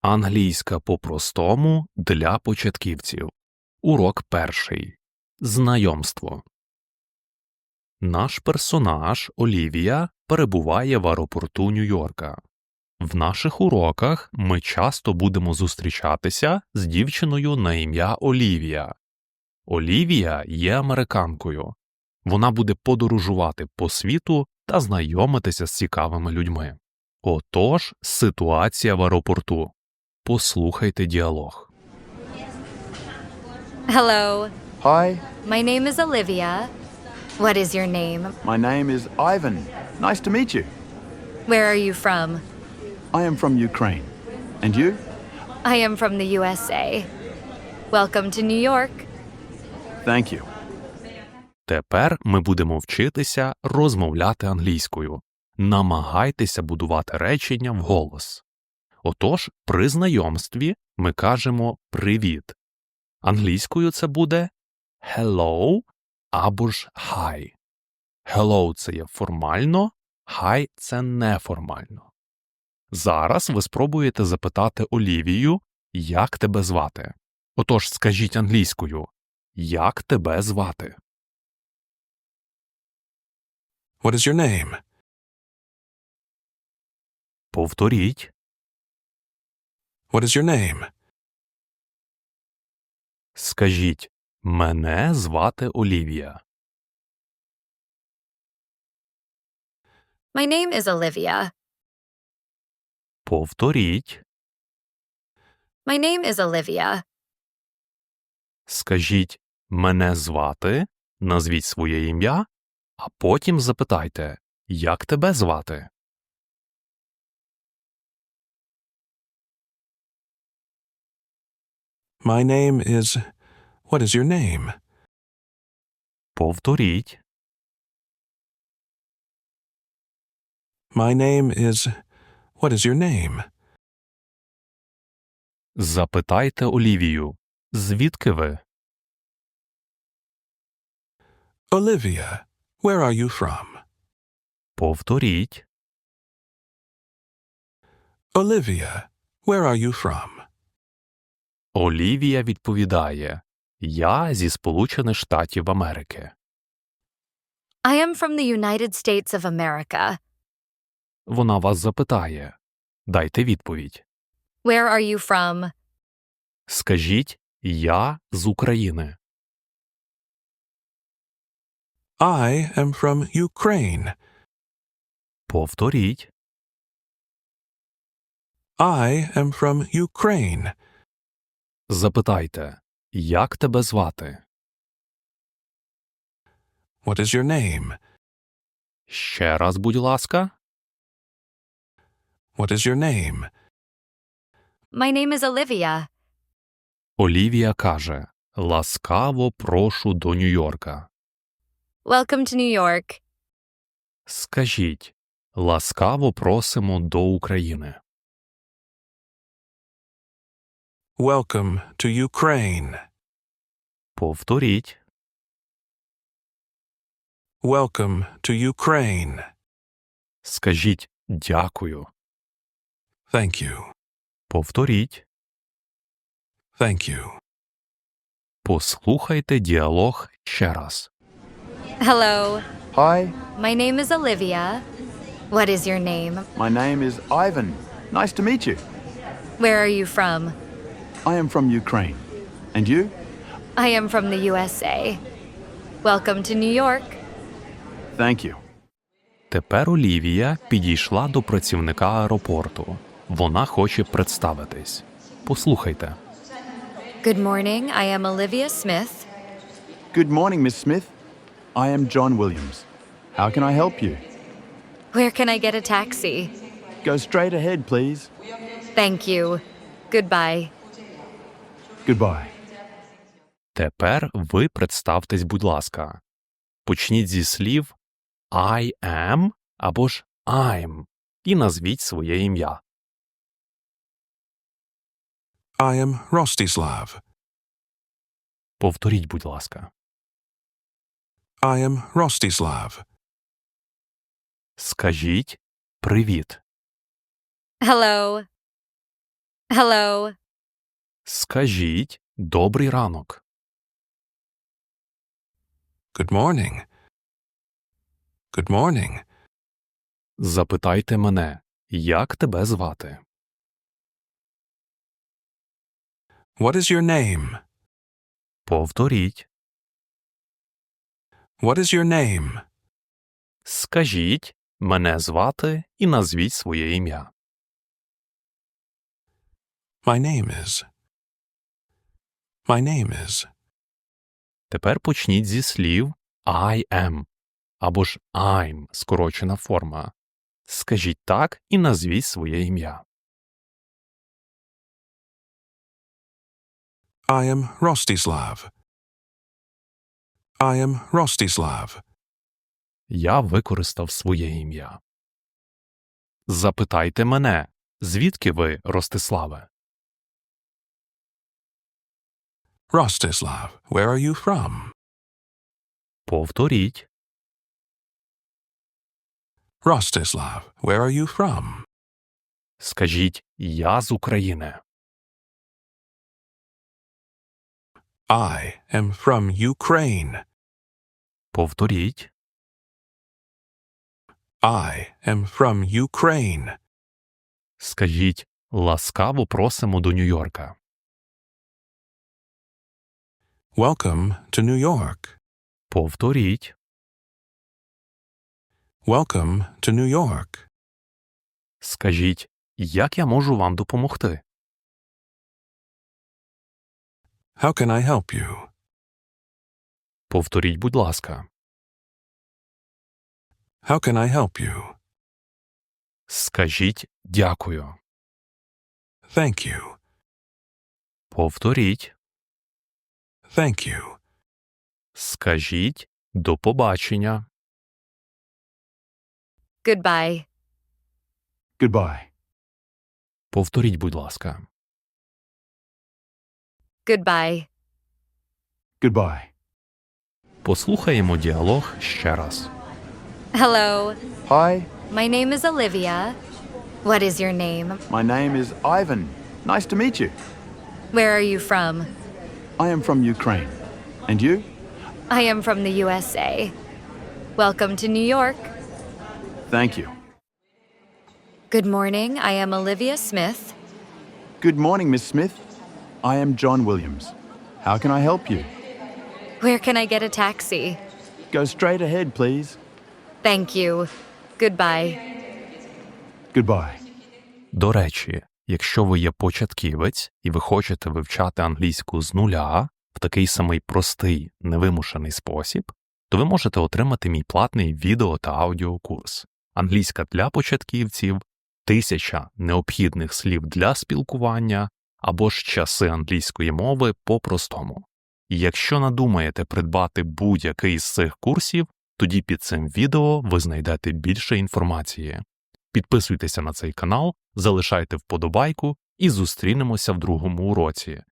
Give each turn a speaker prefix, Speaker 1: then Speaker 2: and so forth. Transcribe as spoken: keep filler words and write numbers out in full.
Speaker 1: Англійська по-простому для початківців. Урок перший. Знайомство. Наш персонаж Олівія перебуває в аеропорту Нью-Йорка. В наших уроках ми часто будемо зустрічатися з дівчиною на ім'я Олівія. Олівія є американкою. Вона буде подорожувати по світу та знайомитися з цікавими людьми. Отож, ситуація в аеропорту. Послухайте діалог.
Speaker 2: Hello,
Speaker 3: Hi,
Speaker 2: my name is Olivia. What is your name?
Speaker 3: my name is Ivan. Nice to meet you.
Speaker 2: Where are you from?
Speaker 3: I am from Ukraine. And you?
Speaker 2: I am from the U S A. Welcome to New York.
Speaker 3: Thank you.
Speaker 1: Тепер ми будемо вчитися розмовляти англійською. Намагайтеся будувати речення вголос. Отож, при знайомстві ми кажемо «привіт». Англійською це буде «hello» або ж «hi». «Hello» – це є формально, «hi» – це неформально. Зараз ви спробуєте запитати Олівію, як тебе звати. Отож, скажіть англійською «як тебе звати?».
Speaker 4: What is your name?
Speaker 1: Повторіть.
Speaker 4: What is your name?
Speaker 1: Скажіть «мене звати Олівія».
Speaker 2: My name is Olivia.
Speaker 1: Повторіть.
Speaker 2: My name is Olivia.
Speaker 1: Скажіть «мене звати», назвіть своє ім'я, а потім запитайте «як тебе звати?».
Speaker 4: My name is... What is your name?
Speaker 1: Повторіть.
Speaker 4: My name is... What is your name?
Speaker 1: Запитайте Олівію «звідки ви?».
Speaker 4: Olivia, where are you from?
Speaker 1: Повторіть.
Speaker 4: Olivia, where are you from?
Speaker 1: Олівія відповідає «я зі Сполучених Штатів Америки».
Speaker 2: I am from the United States of America.
Speaker 1: Вона вас запитає. Дайте відповідь.
Speaker 2: Where are you from?
Speaker 1: Скажіть «я з України».
Speaker 4: I am from Ukraine.
Speaker 1: Повторіть.
Speaker 4: I am from Ukraine.
Speaker 1: Запитайте «як тебе звати?».
Speaker 4: What is your name?
Speaker 1: Ще раз, будь ласка.
Speaker 4: What is your name?
Speaker 2: My name is Olivia.
Speaker 1: Олівія каже «ласкаво прошу до Нью-Йорка».
Speaker 2: Welcome to New York.
Speaker 1: Скажіть «ласкаво просимо до України».
Speaker 4: Welcome to Ukraine.
Speaker 1: Повторіть.
Speaker 4: Welcome to Ukraine.
Speaker 1: Скажіть «дякую».
Speaker 4: Thank you.
Speaker 1: Повторіть.
Speaker 4: Thank you.
Speaker 1: Послухайте діалог ще раз.
Speaker 2: Hello,
Speaker 3: Hi,
Speaker 2: my name is Olivia. What is your name?
Speaker 3: my name is Ivan. Nice to meet you.
Speaker 2: Where are you from?
Speaker 3: I am from Ukraine. And you?
Speaker 2: I am from the U S A. Welcome to New York.
Speaker 3: Thank you.
Speaker 1: Тепер Олівія підійшла до працівника аеропорту. Вона хоче представитись. Послухайте.
Speaker 2: Good morning, I am Olivia Smith.
Speaker 3: Good morning, Miss Smith. I am John Williams. How can I help you?
Speaker 2: Where can I get a taxi?
Speaker 3: Go straight ahead, please.
Speaker 2: Thank you. Goodbye.
Speaker 3: Goodbye.
Speaker 1: Тепер ви представтесь, будь ласка. Почніть зі слів I am або ж I'm і назвіть своє ім'я.
Speaker 4: I am Rostislav.
Speaker 1: Повторіть, будь ласка.
Speaker 4: I am Rostislav.
Speaker 1: Скажіть «привіт».
Speaker 2: Hello. Hello.
Speaker 1: Скажіть «добрий ранок».
Speaker 4: Good morning. Good morning.
Speaker 1: Запитайте мене, як тебе звати?
Speaker 4: What is your name?
Speaker 1: Повторіть.
Speaker 4: What is your name?
Speaker 1: Скажіть «мене звати» і назвіть своє ім'я.
Speaker 4: My name is. My name is.
Speaker 1: Тепер почніть зі слів I am або ж I'm – скорочена форма. Скажіть так і назвіть своє ім'я.
Speaker 4: I am Rostislav. I am Rostislav.
Speaker 1: Я використав своє ім'я. Запитайте мене, звідки ви, Ростиславе?
Speaker 4: Rostislav, where are you from?
Speaker 1: Повторіть.
Speaker 4: Rostislav, where are you from?
Speaker 1: Скажіть «я з України».
Speaker 4: I am from Ukraine.
Speaker 1: Повторіть.
Speaker 4: I am from Ukraine.
Speaker 1: Скажіть «ласкаво просимо до Нью-Йорка».
Speaker 4: Welcome to New York.
Speaker 1: Повторіть.
Speaker 4: Welcome to New York.
Speaker 1: Скажіть «як я можу вам допомогти?»
Speaker 4: How can I help you?
Speaker 1: Повторіть, будь ласка.
Speaker 4: How can I help you?
Speaker 1: Скажіть «дякую».
Speaker 4: Thank you.
Speaker 1: Повторіть.
Speaker 4: Thank you.
Speaker 1: Скажіть «до побачення».
Speaker 2: Goodbye.
Speaker 3: Goodbye.
Speaker 1: Повторіть, будь ласка.
Speaker 2: Goodbye.
Speaker 3: Goodbye.
Speaker 1: Послухаємо діалог ще раз.
Speaker 2: Hello.
Speaker 3: Hi,
Speaker 2: My name is Olivia. What is your name?
Speaker 3: my name is Ivan. Nice to meet you.
Speaker 2: Where are you from?
Speaker 3: I am from Ukraine. And you?
Speaker 2: I am from the U S A. Welcome to New York.
Speaker 3: Thank you.
Speaker 2: Good morning. I am Olivia Smith.
Speaker 3: Good morning, Miss Smith. I am John Williams. How can I help you?
Speaker 2: Where can I get a taxi?
Speaker 3: Go straight ahead, please.
Speaker 2: Thank you. Goodbye.
Speaker 3: Goodbye.
Speaker 1: До речі, якщо ви є початківець і ви хочете вивчати англійську з нуля в такий самий простий, невимушений спосіб, то ви можете отримати мій платний відео та аудіокурс «Англійська для початківців», «Тисяча необхідних слів для спілкування» або ж «Часи англійської мови по-простому». І якщо надумаєте придбати будь-який з цих курсів, тоді під цим відео ви знайдете більше інформації. Підписуйтеся на цей канал, залишайте вподобайку і зустрінемося в другому уроці.